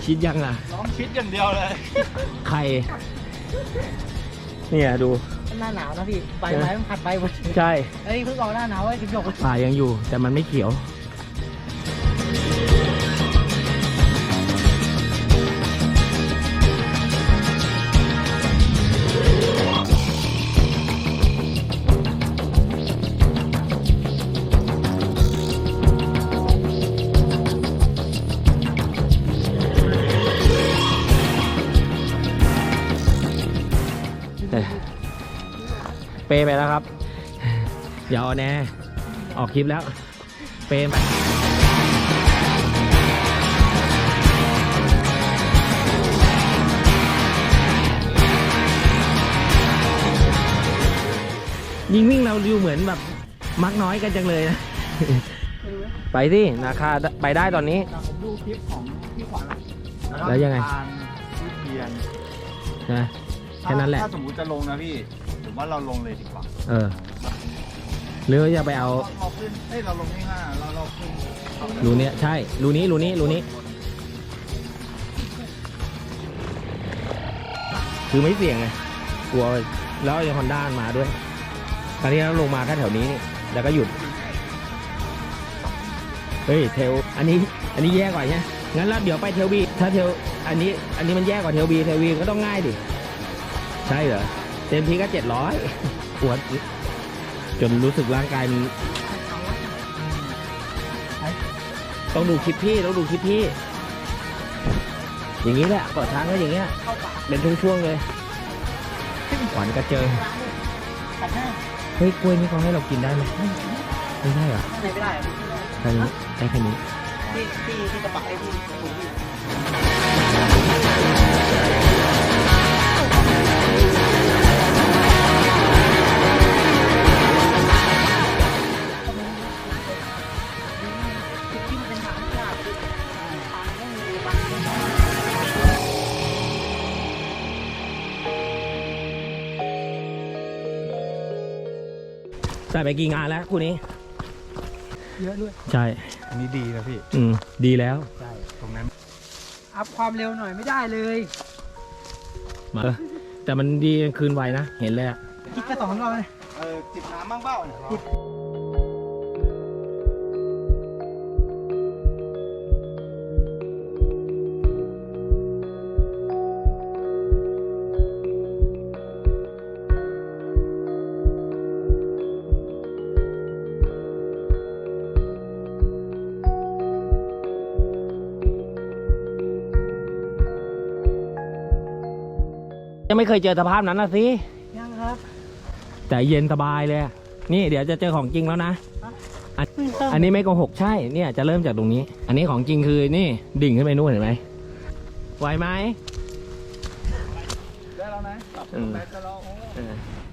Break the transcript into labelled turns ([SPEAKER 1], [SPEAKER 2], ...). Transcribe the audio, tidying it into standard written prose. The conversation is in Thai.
[SPEAKER 1] ชิดยังล่ะ
[SPEAKER 2] น้องชิดอย่างเดียวเลย
[SPEAKER 1] ใครเนี่ยดู
[SPEAKER 3] หน้าหนาวนะพี่ใบไม้มันผัดใบหมด
[SPEAKER 1] ใช่
[SPEAKER 3] เฮ้ยเพิ่งออกหน้าหนาวไอ้จิ๊บหยก
[SPEAKER 1] ป่ายังอยู่แต่มันไม่เขียวเปไปแล้วครับอย่าเอาแน่ออกคลิปแล้วเปไปยิงวิ่งเราดูเหมือนแบบมักน้อยกันจังเลยนะ ไปสินาคาไปได้ตอนนี้
[SPEAKER 2] ผมดูคลิปของพี่ขวัญ
[SPEAKER 1] แล้วยังไง
[SPEAKER 2] ทานวิเทียน
[SPEAKER 1] นะแค่นั้นแหละ
[SPEAKER 2] ถ้าสมมติจะลงนะพี่ผมว่าเราลงเลยดีกว่า
[SPEAKER 1] หรือว่าจะไปเอา
[SPEAKER 2] เราขึ้นเราลงที่5เราขึ้น
[SPEAKER 1] รูเนี้ยใช่รูนี้คือไม่เสี่ยงไงกลัวแล้วยังฮอนด้ามาด้วยตอนนี้เราลงมาแค่แถวนี้นี่แล้วก็หยุดเฮ้ยเทลอันนี้แย่กว่าใช่ไหมงั้นแล้วเดี๋ยวไปเทลบีถ้าเทลอันนี้มันแย่กว่าเทลบีก็ต้องง่ายดิใช่เหรอเต็มทีก็700ปวดจนรู้สึกร่างกายมันต้องดูคลิปพี่อย่างนี้แหละเปิดทางก็อย่างเงี้ยเป็นช่วงๆเลยขวัญกระเจิงเฮ้ยกล้วยนี่เขาให้เรากินได้ไหมไม่ได้เหรอ
[SPEAKER 3] ไม่ได้อะ
[SPEAKER 1] แค่นี้ได้แค่นี้
[SPEAKER 3] ที่กระบะไอ้ที่ถุงพี่
[SPEAKER 1] ใส่ไปกี่งานแล้วคู่นี้
[SPEAKER 3] เยอะด้วย
[SPEAKER 1] ใช่
[SPEAKER 2] อันนี้ดีนะพี่
[SPEAKER 1] ดีแล้ว
[SPEAKER 2] ใช่ตรงนั้น
[SPEAKER 3] อัพความเร็วหน่อยไม่ได้เลย
[SPEAKER 1] มาแต่มันดีคืนไวนะเห็นเลยอะ
[SPEAKER 3] คิดแค่2 รอบเลย
[SPEAKER 2] จิบน้ำบ้างเปล่าเนี่ย
[SPEAKER 1] ยังไม่เคยเจอสภาพนั้นนะสิ
[SPEAKER 3] ยังครับ
[SPEAKER 1] แต่เย็นสบายเลยอะนี่เดี๋ยวจะเจอของจริงแล้วนะอันนี้ไม่โกหกใช่เนี่ยจะเริ่มจากตรงนี้ อันนี้ของจริงคือนี่ดิ่งขึ้นไปนู่นเห็นไหมไหวไหม
[SPEAKER 2] ได้แล้วนะปรับ
[SPEAKER 1] อืม
[SPEAKER 2] ไปจะรอโอ้